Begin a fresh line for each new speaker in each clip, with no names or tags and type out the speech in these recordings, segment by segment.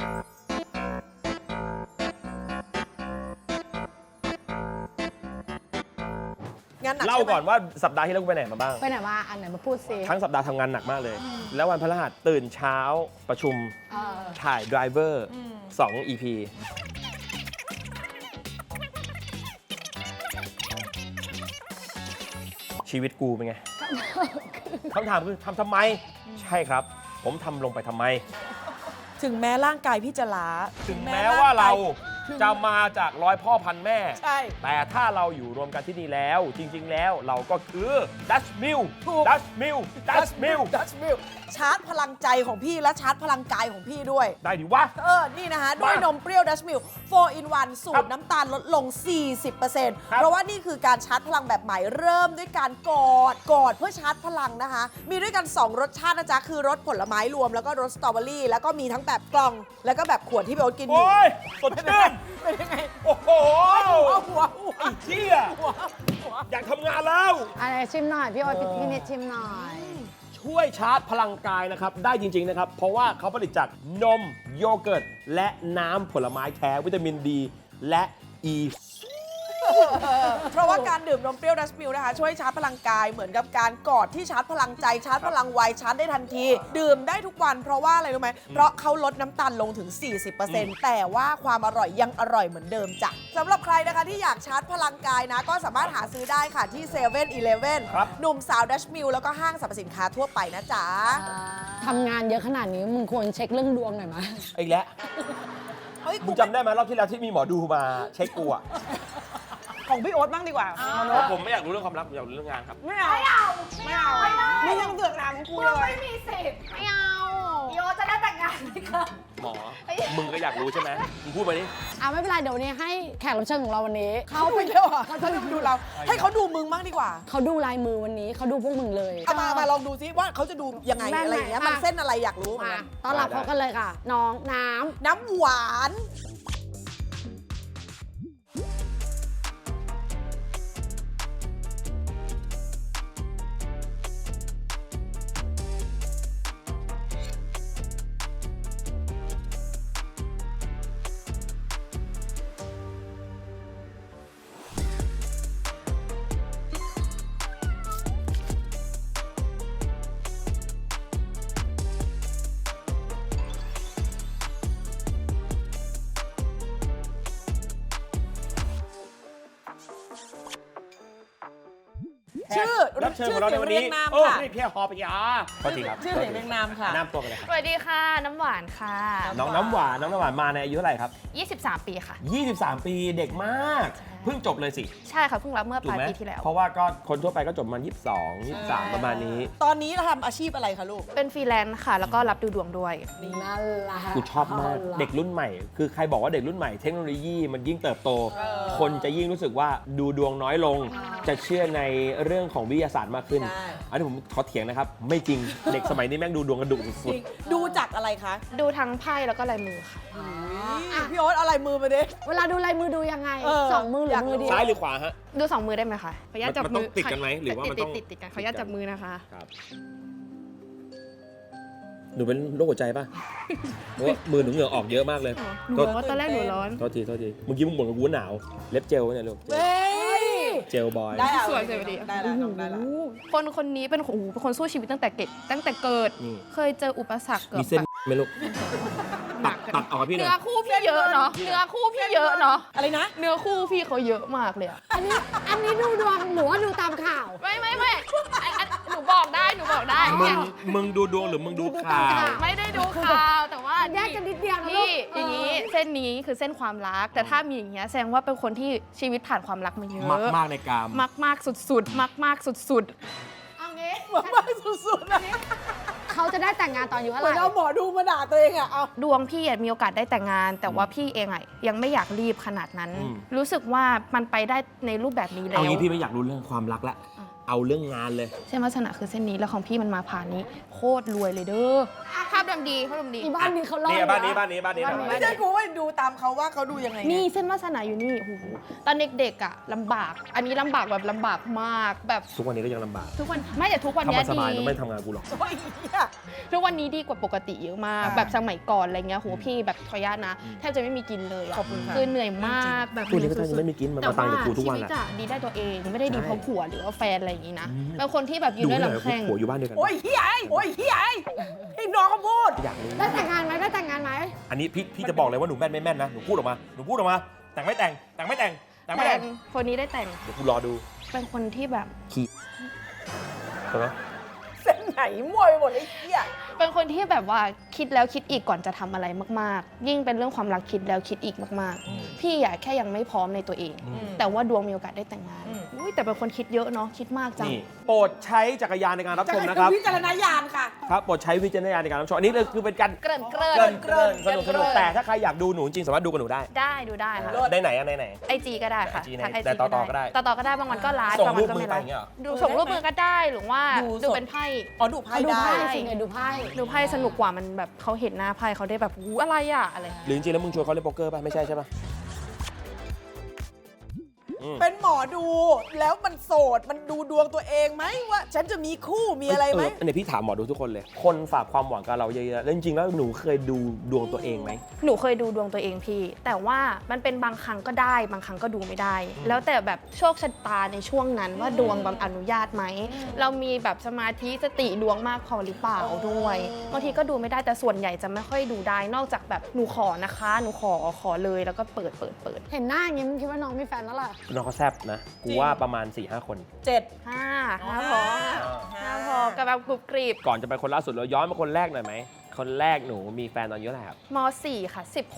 เล่าก่อนว่าสัปดาห์ที่แล้วกูไปไหนมาบ้าง
ไปไหนมาอันไหนมาพูดซิ
ทั้งสัปดาห์ทำงานหนักมากเลย แล้ววันพฤหัสตื่นเช้าประชุมถ่าย Driver 2 EP ชีวิตกูเป็นไง คำถามคือทำไม ใช่ครับ ผมทำลงไปทำไม
ถึงแม้ร่างกายพี่จะล้า
ถึงแม้ว่าเราจะมาจากร้อยพ่อพันแม่
ใช่
แต่ถ้าเราอยู่รวมกันที่นี่แล้ว จริง ๆ แล้วเราก็คือดัชมิล
ถูก
ดัชมิลดัชมิล
ดัชมิลชาร์จพลังใจของพี่และชาร์จพลังกายของพี่ด้วย
ได้ดิวะ
นี่นะคะ ด้วยนมเปรี้ยวดัชมิล 4 in 1 สูตรน้ำตาลลดลง 40% เพราะว่านี่คือการชาร์จพลังแบบใหม่เริ่มด้วยการกอดเพื่อชาร์จพลังนะคะ มีด้วยกัน 2 รสชาตินะจ๊ะ คือรสผลไม้รวมแล้วก็รสสตรอเบอรี่ แล้วก็มีทั้งแบบกล่อง แล้วก็แบบขวดที่พี่โอ๊ตกินอยู่
โอ้ยสดชื่น
เป็นยังไง
โอ้โห
หัว
ไอ้เชี่ยอยากทำงานแล้ว
อะไรชิมหน่อย พี่โอ๊ตพี่นิดชิมหน่อย
ช่วยชาร์จพลังกายนะครับ ได้จริง ๆ นะครับ เพราะว่าเขาผลิตจากนมโยเกิร์ต และน้ำผลไม้แท้วิตามินดีและอ e. ี
เพราะว่าการดื่มนมเปรี้ยวดัชมิลนะคะช่วยชาร์จพลังกายเหมือนกับการกอดที่ชาร์จพลังใจชาร์จพลังวัยชาร์จได้ทันที ดื่มได้ทุกวันเพราะว่าอะไรรู้ไหมเพราะเขาลดน้ำตาลลงถึง 40% แต่ว่าความอร่อยยังอร่อยเหมือนเดิมจ้ะสำหรับใครนะคะที่อยากชาร์จพลังกายนะ ก็สามารถหาซื้อได้ค่ะที่7 e เ e ่ e อ
ครับ
หนุ่มสาวดัชมิลแล้วก็ห้างสรรพสินค้าทั่วไปนะจ๊ะ
ทำงานเยอะขนาดนี้มึงควรเช็คเรื่องดวงหน่อยไหม
อีกแล้ว
เฮ้ย
มึงจำได้ไหมรอบที่แล้วที่มีหมอดูมาเช็คกูอะ
ของพี่โอ๊ตบ้างดีกว่า
ผมไม่อยากรู้เรื่องความรักผมอยากรู้เรื่องงานครับ
ไม่เอามึงยังเดือดร้อนกูเลย
ไม่มีสิทธิ์ไม่เอาพี่โอจะได้แต่งงานไหมคะ
หมอ มึงก็อยากรู้ใช่ไหมมึงพูดมาดิ
ไม่เป็นไรเดี๋ยววันนี้ให้แขกรับเชิญของเราวันนี้
เขาไปเที่ยวอ่ะเขาจะดูเรา ให้เขาดูมึงบ้างดีกว่า
เขาดูลายมือวันนี้เขาดูพวกมึงเลย
เอามาลองดูซิว่าเขาจะดูยังไงอะไรอย่างเงี้ยมันเส้นอะไรอยากรู้เหมือน
มา
กัน
ต้อนรับเขากันเลยค่ะ น้องน้ำ
น้ำหวาน ชื่อ
รับเชิญของเราในวันนี้
ชื่อเสียงเรียงนาม
โอ้
ค่ะ
นี่พี่ฮอปยาสวัสดีครับ
ชื่อเสียงเรียงนามค่ะ
น้ำตัวกันเลยครับ
สวัสดีค่ะ น้ำหวานค่ะ
น้องน้ำหวานมาในอายุเท่าไหร่ครับ
23 ปีค่ะ
23 ปีเด็กมาก เพิ่งจบเลยสิ
ใช่ค่ะเพิ่งรับเมื่อ
ถู
ป
ก
ลาย
ไหม
ปีที่แล้ว
เพราะว่าก็คนทั่วไปก็จบมา22 23 ประมาณนี้
ตอนนี้เราทำอาชีพอะไรคะลูก
เป็นฟรีแลนซ์ค่ะ แล้วก็รับดูดวงด้วย
นั่นแหละ
กูชอบมากเด็กรุ่นใหม่ คือใครบอกว่าเด็กรุ่นใหม่เทคโนโลยีมันยิ่งเติบโต คนจะยิ่งรู้สึกว่าดูดวงน้อยลง จะเชื่อในเรื่องของวิทยาศาสตร์มากขึ้น
ใช่
อันนี้ผมขอเถียงนะครับ ไม่จริงเด็กสมัยนี้แม่งดูดวงกระดุสุด
ดูจากอะไรคะ
ดูทั้งไพ่แล้วก็ลายมือค่ะ
พี่โอ๊ตเอาอะไรมือมาดิ
เวลาดูลายมือดูยังไง สองมือหรือมือเดี
ๆ
ยว
ซ้ายหรือขวาฮะ
ดู 2 มือได้ไหมคะขออนุญาตจับ
มันต้
มื
องติดกันไหมหรือว่ามันต้อง
ติดกันขออนุญาตจับมือนะคะ
ครับหนูเป็นโรคหัวใจป่ะ เพราะว่ามือหนูเหงื่อออกเยอะมากเลย
หนูร้อนตอนแรกหนูร้อน
โทษทีเมื่อกี้มึงบ่นกับกูว่าหนาว เล็บเจลเนี่ยลูก
เฮ้ย
เจลบอย
ได้แล้ว
สวยพอดี
ได้แล้วน้องได้แล้ว
คนนี้เป็นคนสู้ชีวิตตั้งแต่เกิด
นี่
เคยเจออุปสรรคเกือบ
มีเส้นไหมลูก ตัดออกกับพี่หน่
เนื้
อ
อย คู่พี่เยอะเนาะเนื้อคู่พี่เยอะเนาะ
อะไรนะ
เนื้อคู่พี่เขาเยอะมากเลยอะ
อันนี้ดูดวงหรือว่าดูตามข่าว
ไม่หนูบอกได้
มึงดูดวงหรือมึงดูข่าว
ไม่ได้ดูข่าวแต่ว่า
แยกกันนิดเดียวนะลู
พี่
ก
อย่างนี้เส้นนี้คือเส้นความรัก แต่ถ้ามีอย่างเงี้ยแสดงว่าเป็นคนที่ชีวิตผ่านความรักมาเยอะ
มากในกาม
มากสุดๆมากสุด
เอางี้
มากสุดๆนะ
เขาจะได้แต่งงานตอนอายุเท่า
เห
ไห
มือน
ร่
เอาหมอดูมาด่าตัวเองอะเอา
ๆดวงพี่มีโอกาสได้แต่งงาน แต่ว่าพี่เองอะยังไม่อยากรีบขนาดนั้น รู้สึกว่ามันไปได้ในรูปแบบนี้แล้
เอา
ว
งี้พี่ไม่อยากรู้เรื่องความรักละเอาเรื่องงานเลย
เส้นวาสนาคือเส้นนี้แล้วของพี่มันมาผ่านนี้โคตรรวยเลยเด้อภาพดำดีภาพดำดี
อีบ้านนี้เขาเล่า
นี่
อยู่
บ้านนี้
นะ
บ้านนี้บ้านนี้
ไม่ใช่กูว่าดูตามเขาว่าเขาดูยังไง
นี่เส้นวาสนาอยู่นี่โอ้โหตอนเด็กๆอ่ะลำบาก อันนี้ลำบากแบบลำบากมากแบบ
ทุกวันนี้ก็ยังลำบาก
ทุกวันไม่แต่ทุกวัน
ถ้า
เนี้
มั
ย
นส
ดี
บายมันไม่ทำงานกูหรอก
โอ้ยเหี้ย
ทุกวันนี้ดีกว่าปกติเยอะมาก แบบสมัยก่อนอะไรเงี้ยโหพี่แบบขออนุญาตนะแทบจะไม่มีกินเลยอะ
ขอบคุณค่ะ
คือเหนื่อยมากแบบ
กูนี่ก็จะไม่มีกินมัน
แต่
มาตัง
ว่า
ค์จากกูทุก
ชี
วัน
วิต
อะ
อะดีได้ตัวเองไม่ได้ดีเพราะผัวหรือว่าแฟนอะไรอย่างงี้นะเป็นคนที่แบบยื
ดู
นได้
เลย
ลำแข้ง
ผัวอยู่บ้านเดียวกัน
โอ้ยเฮียโอ้ยเฮียให้น้องเขาพูด
อยากรู้
ได้แต่งงานไหมได้แต่งงานไหม
อันนี้พี่จะบอกเลยว่าหนูแม่นไม่แม่นนะหนูพูดออกมาแต่งไม่แต่งแต่งไม่แต่งแต่งไม่
แต่
แต่ง
คนนี้ได้แต่ง
เดี๋ยวกูรอดู
เป็นคนที่แบบ
ขี้ใช่ไหม
เส้นไหนมวยหมดไอ้เฮีย
เป็นคนที่แบบว่าคิดแล้วคิดอีกก่อนจะทำอะไรมากๆ ยิ่งเป็นเรื่องความรักคิดแล้วคิดอีกมากๆ พี่อะแค่ยังไม่พร้อมในตัวเอง แต่ว่าดวงมีโอกาสได้แต่งงานอุ๊ยแต่เป็นคนคิดเยอะเนาะคิดมากจัง
นี่โปรดใช้จักรยานในการรับ
จะ
ชม
ให้
นะครับ
วิจารณญาณค่ะ
ครับโปรดใช้วิจารณญาณในการรับชมอันนี้เลยคือเป็นการ
เกริ่น
เกริ่นสนุกแต่ถ้าใครอยากดูหนูจริงสามารถดูกับหนูได้
ได้ดูได้ค่ะ
ได้ไหนอะในไหน
ไอจีก็ได้ค่ะ
IG ใน
ทาง IG
แต่ต่อก็ได้
ต่อก็ได้บางวันก็ไลฟ์
ส่ง
บางวันก็
รูปมือ
ไม่ไล
ไปอ
ฟ์
ย่างเงี้ยเหรอ
ดูส่งรูปมือก็ได้หรือว่า
ดู
ดู
สด
เป็นไพ่
อ๋อดูไพ่
ดู
ได้
ไพ่
ได้
สิไงดูไพ่
ดูไพ่สนุกกว่ามันแบบเขาเห็นหน้าไพ่เขาได้แบบอู้อะไรอะอะไร
หรือจริงๆแล้วมึงชวนเขาเล่นโป๊กเกอร์ป่ะไม่ใช่ใช่ป่ะ
เป็นหมอดูแล้วมันโสดมันดูดวงตัวเองไหมว่า ฉันจะมีคู่มีอะไรไหม
อันนี้พี่ถามหมอดูทุกคนเลย คนฝากความหวังกับเราเยอะๆแล้วจริงๆแล้วหนูเคยดูดวงตัวเองไหม
หนูเคยดูดวงตัวเองพี่ แต่ว่ามันเป็นบางครั้งก็ได้ บางครั้งก็ดูไม่ได้ แล้วแต่แบบโชคชะตาในช่วงนั้นว่าดวงบำอนุญาตไหม เรามีแบบสมาธิสติดวงมากพอหรือเปล่าด้วยบางทีก็ดูไม่ได้แต่ส่วนใหญ่จะไม่ค่อยดูได้ นอกจากแบบหนูขอนะคะหนูขอเลยแล้วก็เปิด
เห็นหน้าอย่างงี้มึงคิดว่าน้องมีแฟนแล้วล่ะ
น้องเขาแซบนะ กูว่าประมาณ 4-5 คน
7
ห้าพอห้าพอกับแบบกรุบกริบ
ก่อนจะไปคนล่าสุดเราย้อนมาคนแรกหน่อยไหม คนแรกหนูมีแฟนตอนอายุเท่าไหร่ครับ
ม .4 ค่ะ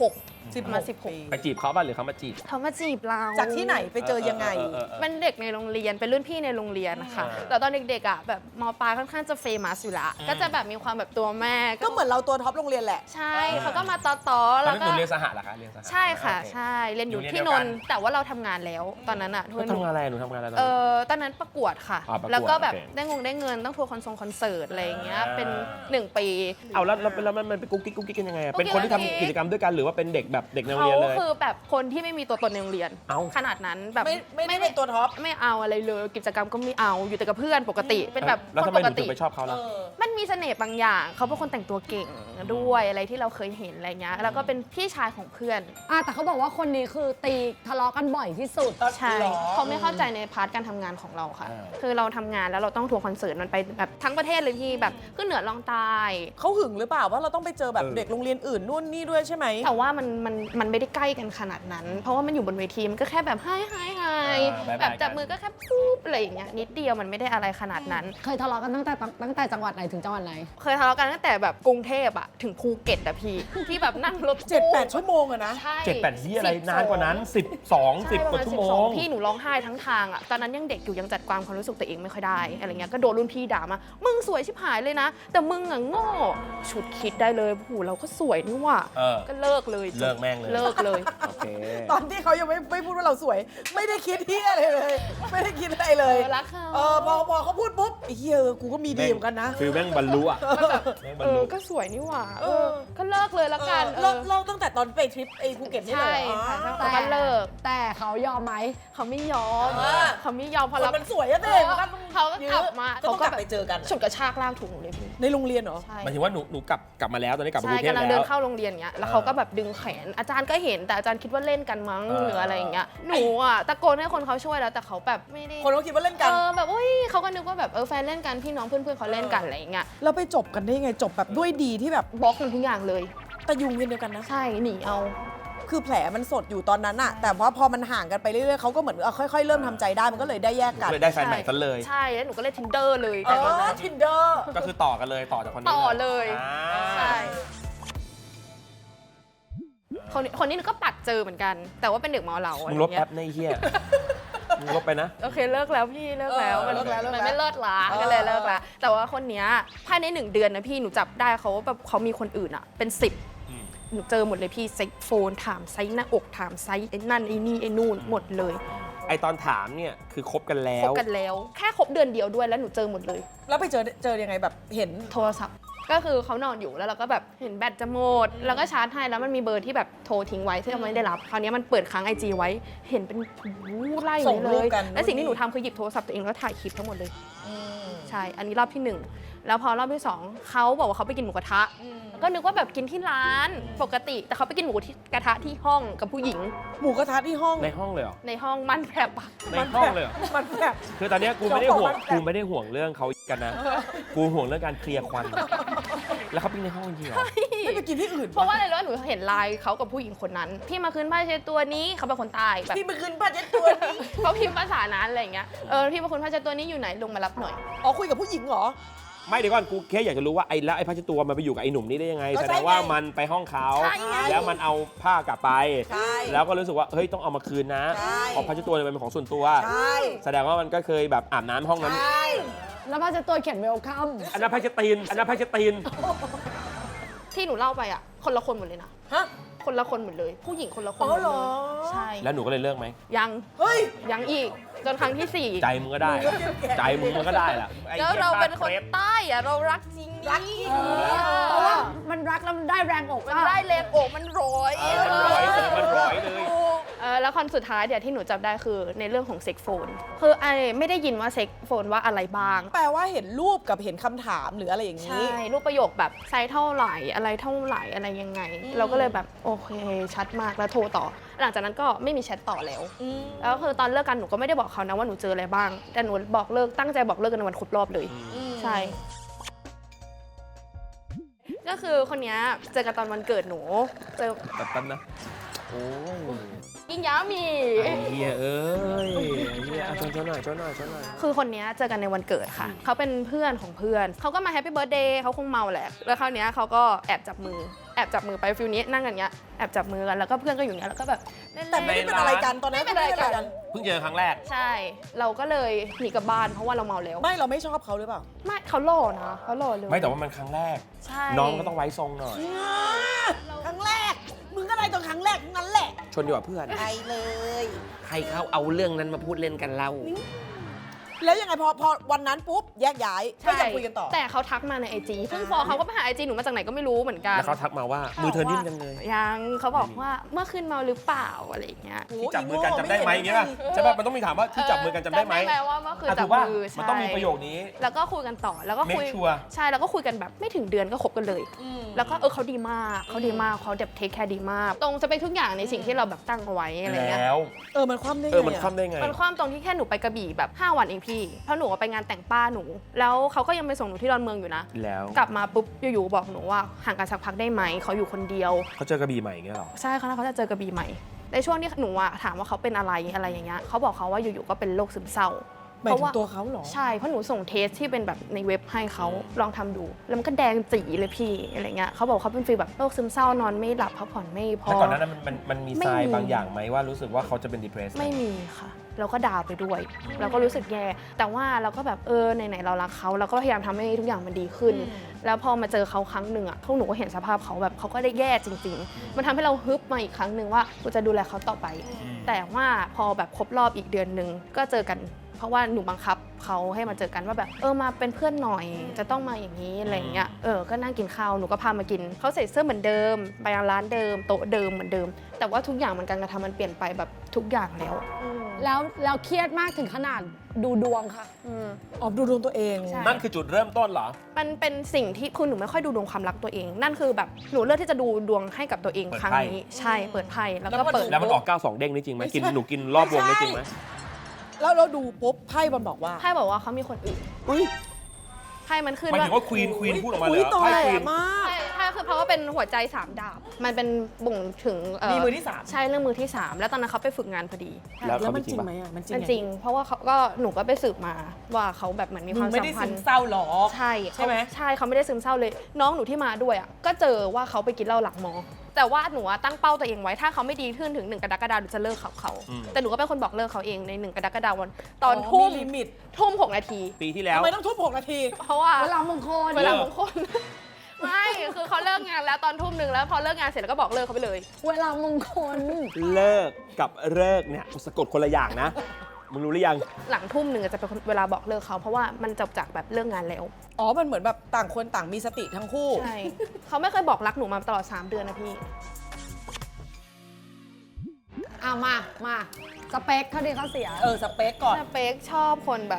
16 มา16
ไปจีบเขาป่ะหรือเขามาจีบ
เขามาจีบเรา
จากที่ไหนไปเจอยังไง
เป็นเด็กในโรงเรียนเป็นรุ่นพี่ในโรงเรียนนะคะแต่ตอนเด็กๆอ่ะแบบมปลายค่อนข้างจะเฟมัสอยู่ละก็จะแบบมีความแบบตัวแม่
ก็เหมือนเราตัวท็อปโรงเรียนแหละ
ใช่เขาก็มาต่อ
ตอ
ๆ
น
แล้ว
นั้น
ก็
หนูเรียนสหะเหรอคะเรียนสหะ
ใช่ค่ะ
โอเ
ใช่เรียนอยู่
อยู่
ที่
เรียนเดียวกัน
นนท์แต่ว่าเราทำงานแล้วตอนนั้นอ่ะ
แล้วทำงานอะไรหนูทำงานอะไรตอน
เอ
นั้น
อตอนนั้นประกวดค่ะ
ประกวด
แล้วก็แบบ
โอเค
ได้เงินต้องทัวร์คอนเสิร์ตอะไรอย่างเงี้ยเป็น1 ปี
เอาแล้วมันเป็นกุ๊กกิ๊กกันยังไงอะ
กุ๊กกิ๊ก
เป็นคนที่ทำกิจกรรมด้วยกันหรือว่าเป็นเด็กแบบเด็กในโรง
เขา
เรียนเลย
คือแบบคนที่ไม่มีตัวตนในโรงเรียน
เอ้า
ขนาดนั้นแบบ
ไม่เป็นตัวท็อป
ไม่เอาอะไรเลยกิจกรรมก็ไม่เอาอยู่แต่กับเพื่อนปกติเป็นแบบ
แล้ว
ค
ทำ
น
ไม
ป
ห
ก
นูถึ
ติ
งไปชอบเขาล่ะ
มันมีเสน่ห์บางอย่างเขาเป็นคนแต่งตัวเก่งด้วยอะไรที่เราเคยเห็นอะไรเงี้ยแล้วก็เป็นพี่ชายของเพื่อน
แต่เขาบอกว่าคนนี้คือตีทะเลาะกันบ่อยที่สุด
ใช่เขาไม่เข้าใจในพาร์ทการทำงานของเราค่ะ คือเราทำงานแล้วเราต้องทัวร์คอนเสิร์ตมันไปแบบทั้งประเทศเลยที่แบบขึ้นเหนือลองใต้
เขาหึงหรือเปล่าว่าเราต้องไปเจอแบบเด็กโรงเรียนอื่นนู่นนี่ด้วยใช่ไหม
แต่ว่ามันไม่ได้ใกล้กันขนาดนั้น เพราะว่ามันอยู่บนเวทีมันก็แค่แบบไฮแบบจับมือก็แค่ปุ๊บอะไรอย่างเงี้ยนิดเดียวมันไม่ได้อะไรขนาดนั้น
เคยทะเลาะกันตั้งแต่จังหวัดไหนถึงจังหวัดไหน
เคยทะเลาะกันตั้งแต่แบบกรุงเทพอะถึงภูเก็ตอะพี่ที่แบบนั่งรถตู้
7-8 ชั่วโมงอะนะ
ใช่
7-8ที่อะไร
12
นานกว่านั้น 10 กว่าชั่วโมง
พี่หนูร้องไห้ทั้งทางอ่ะ ตอนนั้นยังเด็กอยู่ยังจัดความรู้สึกตัวเองไม่ค่อยได้อะไรเงี้ย ก็โดนรุ่นพี่ด่ามา มึงสวยชิบหายเลยนะ แต่มึงอ่ะโง่ฉุดคิดได้เลยโอ้โหเราก็สวยนี่หว่า
เออ
ก็เลิกเลย
เลิกแม่งเลย
เลิกเลย
โอเค
ตอนที่เขายังไม่พูดว่าเราสวย ไม่ได้คิดที่อะไรเลย ไม่ได้คิดอะไรเลย
รักเขา
พอเขาพูดปุ๊บไอ้เหี้ยกูก็มีดีเหมือนกันนะ
ฟิลแม่งบรรลุอ่ะแม่งบรรลุ
ก็สวยนี่หว่าก็เลิกเลยละกัน
เลิกตั้งแต่ตอนไปทริปไอ้ภูเก็ตนี่เล
ใช่
ยเหรอ
ค่ะ
อ๋อ
แต่ก็เลิก
แต่เขายอมไหม
เขาไม่ยอม
อ่า
เขาไม่ยอมพอ
คน
เรา
มันสวยอะ
เอ
เด็
อเขาก็กลับมา
ก็ต้องกลับไปเจอกัน
ฉุดกระชากลากถูกหนูเลยพี่
ในโรงเรียนเหรอ
ใช่
หมายถึงว่าหนูกลับมาแล้วตอนนี้กลับมาก
ใช่
รุงเทพ
กำลัง
แล้
เดิน
ว
เข้าโรงเรียนเงี้ยแล้วเขาก็แบบดึงแขนอาจารย์ก็เห็นแต่อาจารย์คิดว่าเล่นกันมั้งหรืออะไรอย่างเงี้ยหนูอ่ะตะโกนให้คนเขาช่วยแล้วแต่เขาแบบไม่ได้
คนเขาคิดว่าเล่นกัน
แบบอุ้ยเขาก็นึกว่าแบบแฟนเล่นกันพี่น้องเพื่อนๆเขาเล่นกันอะไรอย่างเงี้ย
แล้วไปจบกันได้ยังไงจบแบบด้วยดีที่แบบ
บล็อกมันทุกอย่างเลย
แต่ยุงเวียนเดียวกันนะ
ใช่หนีเอา
คือแผลมันสดอยู่ตอนนั้นอะแต่ว่าพอมันห่างกันไปเรื่อยๆเขาก็เหมือนค่อยๆเริ่มทำใจได้มันก็เลยได้แยกกัน
เลยได้แฟนใหม่ซะเลย
ใช่แล้วหนูก็เล่น Tinder เลย
เอ
แต่ตอน
อ
นั้น
Tinder
ก็คือต่อกันเลยต่อจากคนนี้
ต่อเลย
อ่า
ใช่คนนี้หนูก็ปัดเจอเหมือนกัน แต่ว่าเป็นเด็กเมาเหล้าอะไร
มึงลบ
เงี้
แป๊
ย
บในเฮียมึงลบไปนะ
โอเคเลิกแล้วพี่เลิกแล้ว
เลิกแล้ว
มันไม่เลิศละก็เลยเลิกละแต่ว่าคนเนี้ยภายใน1 เดือนนะพี่หนูจับได้เขาแบบเขามีคนอื่นอ่ะเป็น10หนูเจอหมดเลยพี่เซ็กโฟนถามไซส์หน้าอกถามไซส์ไอ้นั่นไอ้นี่ไอ้นู่นหมดเลย
ไอตอนถามเนี่ยคือคบกันแล้
คบ
ว
กันแล้ว แค่คบเดือนเดียวด้วยแล้วหนูเจอหมดเลย
แล้วไปเจอยังไงแบบเห็น
โทรศัพท์ ก็คือเขานอนอยู่แล้วเราก็แบบเห็นแบตจะหมด แล้วก็ชาร์จให้แล้วมันมีเบอร์ที่แบบโทรทิ้งไว้ที่เราไม่ได้รับ คราวนี้มันเปิดค้าง IG ไว้ เห็นเป็นไล่
ส่ง
เล
รูป
ย
กัน
และสิ่งที่หนูทำคือหยิบโทรศัพท์ตัวเองแล้วถ่ายคลิปทั้งหมดเลย ใช่ อันนี้รอบที่ 1 แล้วพอรอบที่ 2เขาบอกว่าเขาไปกินหมูกระทะ ก็นึกว่าแบบกินที่ร้านปกติ แต่เขาไปกินหมูกระทะที่ห้องกับผู้หญิง
หมูกระทะที่ห้อง
ในห้องเลยเหรอ
ในห้องมันแผลบอะ
ในห้องเลยเหรอ
มันแบบ
คือตอนเนี้ยกูไม่ได้ห่วง
เจ้าของบ้าน
กูไม่ได้ห่วงเรื่องเขากันนะ กูห่วงเรื่องการเคลียร์ควัน แล้วเขาปิ้งในห้องจริงเหรอ
ไม่ไปกินที่อื่น
เพราะว่าอะไรรู้ไหมหนูเห็นไลน์เขากับผู้หญิงคนนั้น พี่มาคืนผ้าเช็ดตัวนี้เขาเป็นคนใต้แบบ
พี่ไปคืนผ้าเช็ดตัวนี้
เขาพิมพ์ภาษานั้นอะไรอย่างเงี้ย พี่มาคืนผ้าเช็ดตัวนี้อยู่ไหนลงมารับหน่อย
อ๋อคุยกับผู้หญิงเหรอ
ไม่เดี๋ยวก่อนกูแค่อยากจะรู้ว่าไอ้แล้วไอ้ผ้าเช็ดตัวมันไปอยู่กับไอ้หนุ่มนี่ได้ยังไง
ก็
แส
ใช่
ดงว่า
ไง
มันไปห้องเขา
ใช่ไง
แล้วมันเอาผ้ากลับไป
ใช่
แล้วก็รู้สึกว่าเฮ้ยต้องเอามาคืนนะ
ใช่
เพราะผ้าเช็ดตัวเนี่ยมันเป็นของส่วนตัว
ใช่
แสดงว่ามันก็เคยแบบอาบน้ำห้องนั้น
ใช่
แล้วพาจะตัวเขียนเวลคัม
อันนั้นผ้าเช็ดตีนอันนั้นผ้าเช็ดตีน
ที่หนูเล่าไปอ่ะ คนละคนหมดเลยนะ
ฮะ
คนละคนหมดเลย ผู้หญิงคนละคน
อ๋
หม
อ
ด
เหร
เล
อ
ย ใช่
แล้วหนูก็เลยเลิกไหม
ยัง
เฮ้ย
ยังอีก จนครั้งที่
ใจมึงก็ได้ ใจมึงมันก็ได้แหละ
4 แล้วเราเป็นคนใต้อะเรารักจริง
รักจริง
เพราะว่ามันรักแล้วมันได้แรงอก
มันได้แรงอกมันร้อย
มันร้อยเลยมันร้อยเลย
แล้วคนสุดท้ายเดี๋ยวที่หนูจับได้คือในเรื่องของเซ็กโฟน คือไอไม่ได้ยินว่าเซ็กโฟนว่าอะไรบ้าง
แปลว่าเห็นรูปกับเห็นคำถามหรืออะไรอย่าง
ใช่
นี้
รูปประโยคแบบไซส์เท่าไหร่อะไรเท่าไหร่อะไรยังไง เราก็เลยแบบโอเคชัดมากแล้วโทรต่อ หลังจากนั้นก็ไม่มีแชทต่อแล้ว แล้วคือตอนเลิกกันหนูก็ไม่ได้บอกเขานะว่าหนูเจออะไรบ้าง แต่หนูบอกเลิกตั้งใจบอกเลิกกันในวันครบรอบเลย ใช่ ก็คือคนเนี้ยเจอกันตอนวันเกิดหนูเจอ
แบบนั้นนะ โอ้ย
ยิ่งยาวมี
ไอ้เฮียเอ้ยไอ้เฮียเอาชนหน่อยชนหน่อยชนหน่อย
คือคนเนี้ยเจอกันในวันเกิดค่ะ เขาเป็นเพื่อนของเพื่อน เขาก็มาแฮปปี้เบิร์ดเดย์เขาคงเมาแหละ แล้วคราวเนี้ยเขาก็แอบจับมือไปฟิลนี้นั่งกันเนี้ยแอบจับมือกันแล้วก็เพื่อนก็อยู่เนี้ยแล้วก็แบบเล่นๆ
แต่ไม่ได้เป็นอะไรกันตอนนั้น
ไม่เป็นอะไรกัน
เพิ่งเจอครั้งแรก
ใช่ เราก็เลยหนีกลับบ้านเพราะว่าเราเมาแล้ว
ไม่เราไม่ชอบเขาหรือเปล่า
ไม่เขาหล่อนะเขาหล่อเลย
ไม่แต่ว่ามันครั้งแรก
ใช่
น้องก็ต้องไว้ทรงหน่อย
ครั้งแรก มึงก็ได้ตอนครั้งแรกทั้งนั้นแหละ
ชนดีกว่าเพื่อน
ไปเลย
ใครเขาเอาเรื่องนั้นมาพูดเล่นกันเล่า
แล้วยังไงพอวันนั้นปุ๊บแยกย้ายก็
ใช่
ยังคุยกันต่อ
แต่เขาทักมาในไอจีซึ่งฟอเขาก็ไปหาไอจีหนูมาจากไหนก็ไม่รู้เหมือนกัน
แล้วเขาทักมาว่า มือเธอนิ่มจังเลย
ยังเขาบอกว่าเมื่อคืนเมาหรือเปล่าอะไรอย่างเงี้ย
ที่จับมือกันจำได้ไหมอย่างเงี้ยป่ะใช่ป่ะมันต้องมีถามว่าที่จับมือกันจำได้ไหม
ว่าเมื่อคืน
อ่ะ
จั
ถู
บ
กป่ะ
มือ
มัน
ใช่
ต้องมีประโยคนี้
แล้วก็คุยกันต่อแล้วก็คุย
Make sure
ใช่แล้วก็คุยกันแบบไม่ถึงเดือนก็คบกันเลย แล้วก็เขาดีมากเขาแบบเทคแคร์ดีมาก ตรงจะเป็นทุกอย่างในสิ่งที่เราแบบตั้งเอาไว้อะไรเงี้ย
แล้ว
มันคว่ำได้ไง
มัน
อะ
คว่ำได้ไง
มันความตรงที่แค่หนูไปกระบี่แบบ5 วันเองพี่เพราะหนูไปงานแต่งป้าหนู แล้วเขาก็ยังไปส่งหนูที่ดอนเมืองอยู่นะ
แล้ว
กลับมาปุ๊บอยู่ๆบอกหนูว่าห่างกันสักพักได้ไหมเขาอยู่คนเดียว
เขาเจอกระบี่ใหม่อย่างเงี้ยเหรอ
ใช่เขาจะเจอกระบี่ใหม่ ในช่วงที่หนูอะถามว่าเขาเป็นอะไรอย่างเงี้ยเขาบอกเขาว่าอยู่ๆก็เป็นโรคซึมเศร้า
หมายถึงตัวเขาเหรอ
ใช่เพราะหนูส่งเทสที่เป็นแบบในเว็บให้เขาลองทำดู แล้วมันก็แดงจีเลยพี่อะไรเงี้ยเขาบอกเขาเป็นฟีลแบบโรคซึมเศร้านอนไม่หลับพักผ่อนไม่พอ
แล้วก่อนหนานั้นมันมี
ไม่
ทราย
มี
บางอย่างไหมว่ารู้สึกว่าเขาจะเป็น depressed
ไม่มีค่ะเราก็ดาวไปด้วยเราก็รู้สึกแย่แต่ว่าเราก็แบบไหนๆเรารักเขาเราก็พยายามทำให้ทุกอย่างมันดีขึ้น แล้วพอมาเจอเขาครั้งหนึ่งอ่ะพวกหนูก็เห็นสภาพเขาแบบเขาก็ได้แย่จริง ๆ มันทำให้เราฮึบมาอีกครั้งหนึ่งว่ากูจะดูแลเขาต่อไป แต่ว่าพอแบบครบรอบอีกเดือนหนึ่งก็เจอกัน เพราะว่าหนูบังคับเขาให้มาเจอกันว่าแบบมาเป็นเพื่อนหน่อยจะต้องมาอย่างนี้อะไรอย่างเงี้ยก็นั่งกินข้าวหนูก็พามากินเขาใส่เสื้อเหมือนเดิมไปยังร้านเดิมโต๊ะเดิมเหมือนเดิม แต่ว่าทุกอย่างมันการกระทำมันเปลี่ยนไปแบบทุกอย่างแล้ว
แล้วเครียดมากถึงขนาดดูดวงค่ะ
ออกดูดวงตัวเอง
ใช่
นั่นคือจุดเริ่มต้นเหรอ
มันเป็นสิ่งที่คือหนูไม่ค่อยดูดวงความรักตัวเอง นั่นคือแบบหนูเลือกที่จะดูดวงให้กับตัวเอง
เปิด
ครั้ง
ไพ่
นี้ใช่เปิดไพ่แล้วก็เปิด
แล้วมันออก 92 เด้งนี่จริงไหมกินหนูกินรอบวงนี่จริงไหม
แล้วเราดูปุ๊บไพ่มันบอกว่า
ไพ่บอกว่าเขามีคนอื่น
อุ้ย
ไพ่มันขึ้น
หมาย
ว่า
ถึงว่าควีนพูดออกมาเลย
อุ้ย
เหรอ
ต่อ
ไพ่
แหล
ควีน
มาก
ใช่คือเพราะว่าเป็นหัวใจ3 ดาบ มันเป็นบ่งถึง
มีมือที่สาม
ใช่เรื่องมือที่ 3 แล้วตอนนั้นเขาไปฝึกงานพอดี
แล้ว
แล้ว
เขา
มัน
จ
จ
ริ
ริ
ง
ง
ปะ
ไหมอ่ะมันจริง
มันจริง เพราะว่าเขาก็หนูก็ไปสืบมาว่าเขาแบบเหมือนมี
มึ
ความ
งไม่
สั
ได้
มพั
ซึ
น
ม
ธ์
เศร้าหรอ
ใช่
ใช่ไหม
ใช่เขาไม่ได้ซึมเศร้าเลย น้องหนูที่มาด้วยอ่ะก็เจอว่าเขาไปกินเหล้าหลังมอ แต่ว่าหนูอะตั้งเป้าตัวเองไว้ถ้าเขาไม่ดีขึ้นถึง1 กรกฎาคมหนูจะเลิกเขา แต่หนูก็เป็นคนบอกเลิกเขาเองใน1 กรกฎาคมตอนทุ่ม
ลิมิต
6 นาที
ปีที่แล้ว
ทำไมต้องทุบ6 นาที
เพราะว่า
เวลามงคล
เวลามงคลไม่คือเขาเลิกงานแล้วตอนทุ่มหนึ่งแล้วพอเลิกงานเสร็จแล้วก็บอกเลิกเขาไปเลย
เวลามงคล
เลิกกับเลิกเนี่ยสะกดคนละอย่างนะ มึงรู้หรือยัง
หลังทุ่มหนึ่งจะเป็นเวลาบอกเลิกเขาเพราะว่ามันจบจากแบบเลิกงานแล้ว
อ๋อ มันเหมือนแบบต่างคนต่างมีสติทั้งคู่
ใช่เขาไม่เคยบอกรักหนูมาตลอด 3 เดือนนะพี่
มาสเปคเขาดีเขาเสีย
สเปคก่อน
สเปคชอบคนแบบ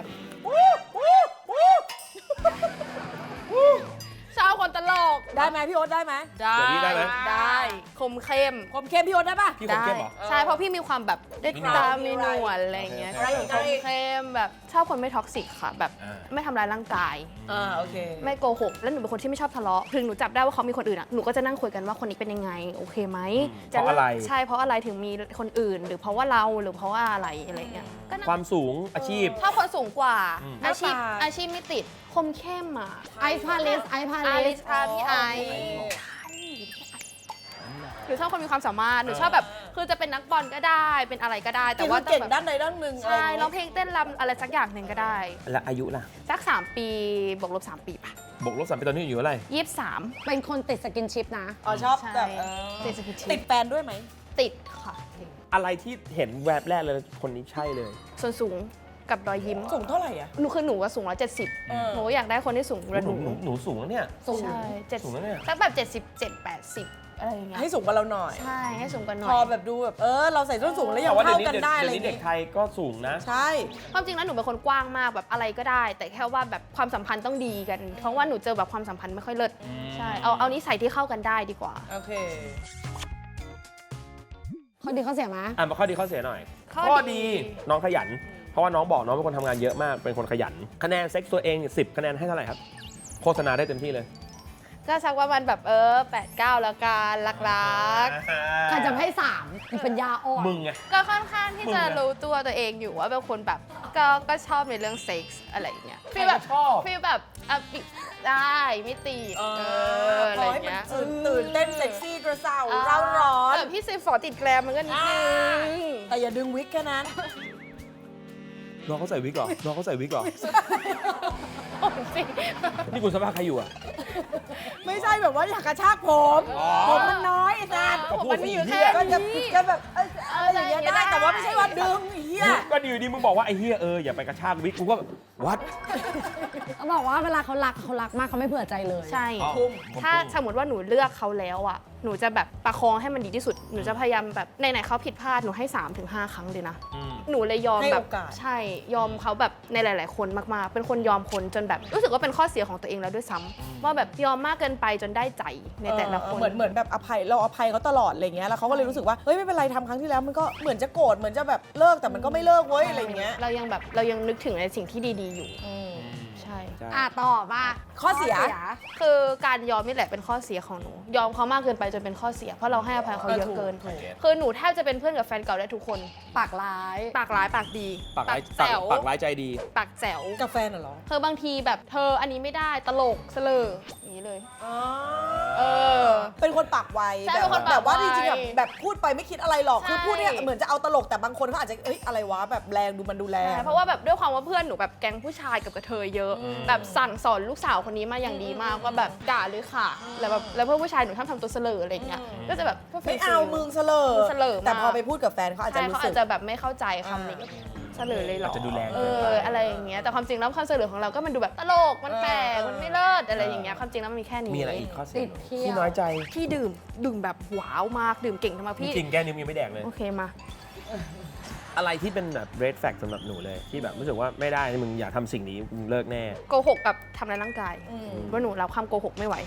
ชอบคนตลก
ได้ไหมพี่โอ๊ตได้ไหม
ได้
เดี๋ยวนี้ได้ไหม
ได้คมเข้ม
คมเข้มพี่โอ๊ตได้ปะ
พี่คมเข้มเหรอ
ใช่เพราะพี่มีความแบบด้วย
มีหนวด
ตามีหนวดอะไรอย่างเงี้ย
โอ
ก็
เค
อยู่คมเข้มแบบชอบคนไม่ท็อกซิกค่ะ แบบ
อ่า
ไม่ทำร้ายร่างกาย
โอเค
ไม่โกหกแล้วหนูเป็นคนที่ไม่ชอบทะเลาะถึงหนูจับได้ว่าเขามีคนอื่นอ่ะหนูก็จะนั่งคุยกันว่าคนนี้เป็นยังไงโอเคไหม
เพราะอะไร
ใช่เพราะอะไรถึงมีคนอื่น หรือเพราะว่าเราหรือเพราะว่าอะไรอะไรเงี้ยก็นั่ง
ความสูงอาชีพ
ชอบคนสูงกว่า
อืม
อาชีพ
หน้าตา
อาชีพไม่ติดคมเข้มอ่ะ
ไอซ์พาเลส
ไอริสค่ะพี่ไอหนูชอบคนมีความสามารถหนูชอบแบบคือจะเป็นนักบอลก็ได้เป็นอะไรก็ได้ แต่
แต่
ว่า
ว่า
ต้อ
เก่ง
แบบ
ด้านใดด้านหนึ่ง
ใช่ร้องเพลงเต้นรำอะไรสักอย่างหนึ่งก็ได้
และอายุล่ะ
สัก3 ปีบวกลบ3 ปีป่ะ
บวกลบ3 ปีตอนนี้อยู่เท่าไหร่
23
เป็นคนติดสกินชิปนะ
อ๋อชอบแบบ
ใช่ติดสกินชิป
ติดแฟนด้วยไหม
ติดค่ะ
อะไรที่เห็นแวบแรกเลยคนนี้ใช่เลย
ส่วนสูงกับรอยยิ้ม
สูงเท่าไหร่อ่ะ
หนูคือหนูว่าสูง170
เออ
หนูอยากได้คนที่สูงกว่าหนู
หนูสูงแล้วเนี่ย
สูง
ใช่7
สูงแล้วเนี่ย
สักแบบ77 80อะไรอย่างเงี้ย
ให้สูงกว่าเราหน่อย
ใช่ให้สูงกว่าหน่
พอ
อย
แบบดูแบบเราใส่ส้นสูงแล้วยั
แต่
ง
ว่าเดี๋ย
เท่าว
นี้
กันได้อะไรอ
เดี๋ยว
ย่าง
นี้เด็ก
งี้
ไทยก็สูงนะ
ใช่
ความจริงแล้วหนูเป็นคนกว้างมากแบบอะไรก็ได้ แต่แค่ว่าแบบความสัมพันธ์ต้องดีกัน เพราะว่าหนูเจอแบบความสัมพันธ์ไม่ค่อยเลิศ
อืม
ใช่เอานิสัยที่เข้ากันได้ดีกว่า
โอเค
เขาดีเขาเสียไหม
มาข้อดีข้อเสียหน่อย
ข้อดี
น้องขยัน เพราะว่าน้องบอกน้องเป็นคนทำงานเยอะมาก เป็นคนขยัน คะแนนเซ็กซ์ตัวเอง10 คะแนนให้เท่าไหร่ครับ โฆษณาได้เต็มที่เลย
ก็สักว่ามันแบบ8 9แล้วกันรัก
ใครจะให้3มันเป็นยาอ่อน
มึงไง
ๆก็ค่อนข้างที่
มึง
จะ
อะ
รู้ตัวตัวเองอยู่ว่าเป็นคนแบบก็ชอบในเรื่องเซ็กส์อะไรอย่างเงี้ย
ใครจะชอบ
ฟีลแบบปิดได้ไม่ตีดอะไร
พอ
อ
ให้
ย่าง
มัน
เงี้ย
ตื่นเต้นเซ็กซี่กระเซาเร่าร้อน
แบบพี่10 ฝอติดแกรมมันก็นิดนึง
แต่อย่าดึงวิกแค่นั้น
น้องเขาใส่วิกเหรอ น้องเขาใส่วิกเหรอ
โอ้จริง
นี่คุณสภาพใครอยู่อ่ะ
ไม่ใช่แบบว่าอยากกระชากผม
อ๋อ
ผมมันน้อยไอ้สัตว์
ก็พูด
มันมีอยู่
สิ
แค่
ก็จะ
นี้
ก็แบบอะไรอย่างเงี้ยได้แต่ว่าไม่ใช่ว่าดึงไอ้เหี้ย
ก็ดีดีมึงบอกว่าไอ้เฮียอย่าไปกระชากวิกกูก็แบบวัด
เขาบอกว่าเวลาเขารักมากเขาไม่เผื่อใจเลย
ใช่
อ๋อ
ถ้าสมมติว่าหนูเลือกเขาแล้วอ่ะ หนูจะแบบประคองให้มันดีที่สุด หนูจะพยายามแบบไหนๆเขาผิดพลาด หนูให้ 3-5 ครั้งเลยนะ
อืม
หนูเลยยอม
ให้
แบ
โอบ กาส
ใช่ยอมเขาแบบในหลาย ๆ คนมากๆ เป็นคนยอมคนจนแบบรู้สึกว่าเป็นข้อเสียของตัวเองแล้วด้วยซ้ำว่าแบบยอมมากเกินไปจนได้ใจในแต่ละคน
เหมือนแบบอภัยเราอภัยเขาตลอดอะไรเงี้ยแล้วเขาก็เลยรู้สึกว่าเฮ้ยไม่เป็นไรทำครั้งที่แล้วมันก็เหมือนจะโกรธเหมือนจะแบบเลิกแต่มันก็ไม่เลิกเว้ยอะไรเงี้ย
เรายังนึกถึงในสิ่งที่ดี ๆ อยู่ ใช่
ใช่
ต่อมา
ข้อเสีย
คือการยอมนี่แหละเป็นข้อเสียของหนู ยอมเขามากเกินไปจนเป็นข้อเสีย เพราะเราให้อภัยเขาเยอะเกิน
ถูก
คือหนูแทบจะเป็นเพื่อนกับแฟนเก่าได้ทุกคน
ปากร้าย
ปากร้ายปากดี
ปากร้าย
แจ๋ว
ปากร้ายใจดี
ปากแจ๋ว
กับแฟนเหรอ
เธอบางทีแบบเธออันนี้ไม่ได้ตลกเสลออย่างนี้เลย เออ
เป็นคนปากไว
ใช่เป็นคนปากไว
แบบว่าจริงๆแบบพูดไปไม่คิดอะไรหรอก
ใช่
คือพูดเนี่ยเหมือนจะเอาตลกแต่บางคนเขาอาจจะเอ้ยอะไรวะแบบแรงดูมันดูแรง
ใช่เพราะว่าแบบด้วยความว่าเพื่อนหนูแบบแก๊งผู้ชายกับกระเทยเยอะ แบบสั่งสอนลูกสาวคนนี้มาอย่างดีมากว่าแบบด่าเลยค่ะแล้วแบบแล้วเพื่อนผู้ชายหนูชอบทำตัวเสลออะไรอย่างเงี้ยก็จะแบบ
ไม่เอามึงเสลอ
เสลอมาก
แต่พอไปพูดกับแฟนเขาอาจจะ
ใช่
รู้
เขา
สึ
อาก จจะแบบไม่เข้าใจคำนี้เสลอเลยเหรอ
อาจจะดูแรง
เอ
เกินไป
อะไรอย่างเงี้ยแต่ความจริงแล้วความเสลอของเราก็มันดูแบบตลกมันแปลกมันไม่เลิศอะไรอย่างเงี้ยความจริงแล้วมันมีแค่นี้
มีอะไรอีกข้อเสี
ติ
ย
ดเที่ยว
ที่น้อยใจ
พี่ดื่มแบบว้าวมากดื่มเก่งทำไมพี่
จริงๆแก้นิ้วยังไม่แดกเลย
โอเคมา
อะไรที่เป็นแบบ red flag สำหรับหนูเลย ที่แบบรู้สึกว่าไม่ได้มึงอย่าทำสิ่งนี้มึงเลิกแน่
โกหกกับทำร้ายร่างกายว่าหนูรับคำโกหกไม่ไหว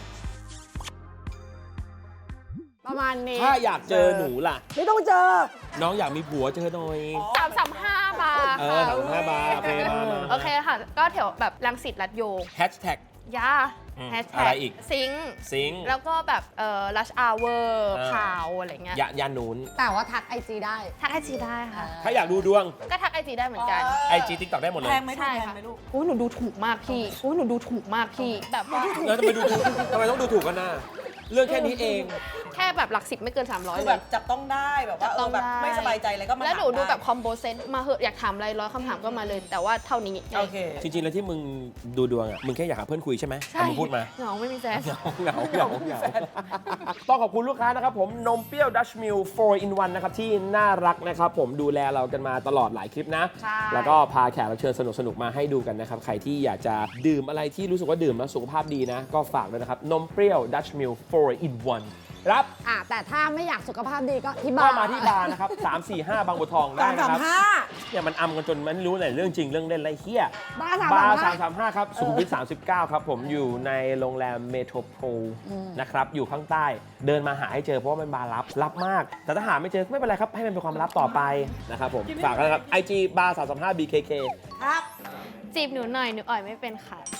ประมาณนี้
ถ้าอยากเจอหนูล่ะ
ไม่ต้องเจอ
น้องอยากมีผัวเจอหน่อย
335 บาท
เออ35 บาทโอเคมา
โอเคค่ะ ก็แถวแบบรังสิตรัดโย
แฮชแท็ก
ยา
อืม
แฮช
อะ
แท็
ไร
ก
อีก
ซิงค์
ซิง
แล้วก็แบบลัชอาเวอร์
เออ
ข่าวอะไรเงี้ย
ยานูน
แต่ว่าทักไอจีได้
ทักไอจีได้ค่ะ
ถ้าอยากดูดวง
ก็ทักไอจีได้เหมือนกัน
IG TikTok ได้หมดเลย
แพงไหมลูก
ใช่
แพง
ค่ะ
ไหมลูก
โอ้ยหนูดูถูกมากพี่โอ้ยหนูดูถูกมากพี่ แบบว่า
แล้วทำไมต้องดูถูกกันน่ะเรื่องแค่นี้เอง
แค่แบบหลัก10ไม่เกิน300
คือ
เล
แบ
ย
บจับต้องได้แบบว่า
ต้อง
แบบ
ได้
ไม่สบายใจอะไรก็มา
แล้วหนู
ถาม
ดู
ได้
แบบคอมโบเซตมาเหอะอยากถามอะไร100คำถามก็มาเลย แต่ว่าเท่านี้
โอเค
จริงๆ แล้วที่มึงดูดวงอ่ะ มึงแค่อยากหาเพื่อนคุยใช่ไหม
ใช่
เอามึงพูดมา
เหงาไม่มีแฟน
เหงาต้องขอบคุณลูกค้านะครับผมนมเปรี้ยวดัชมิล4 in 1นะครับที่น่ารักนะครับผมดูแลเรากันมาตลอดหลายคลิปนะ
ใช่
แล้วก็พาแขกรับเชิญสนุกๆ มาให้ดูกันนะครับ ใครที่อยากจะดื่มอะไรที่รู้สึกว่าดื่มแล้วสุขภาพดีนะ ก็ฝากด้วยนะครับ นมเปรี้ยวดัชมิล4 in 1รับ
แต่ถ้าไม่อยากสุขภาพดีก็ที่บ้า
ก็
น
มาที่บาร์นะครับ 345 บางบัวทองได้นะครับ
335
เนี่ยมันอำกันจนมันไม่รู้ไหนเรื่องจริงเรื่องเล่นไรเฮีย
บ้า
บาร์
335
335 ครับสุขุมวิท39 ครับผมอยู่ในโรงแรมเมโทรโพลนะครับ อยู่ข้างใต้เดินมาหาให้เจอเพราะว่ามันบาร์ลับมาก แต่ถ้าหาไม่เจอไม่เป็นไรครับ ให้มันเป็นความลับต่อไปนะครับผมฝากกันนะครับ IG บาร์335 BKK
ครับ
จีบหนูหน่อยหนูอ่อยไม่เป็นค่ะ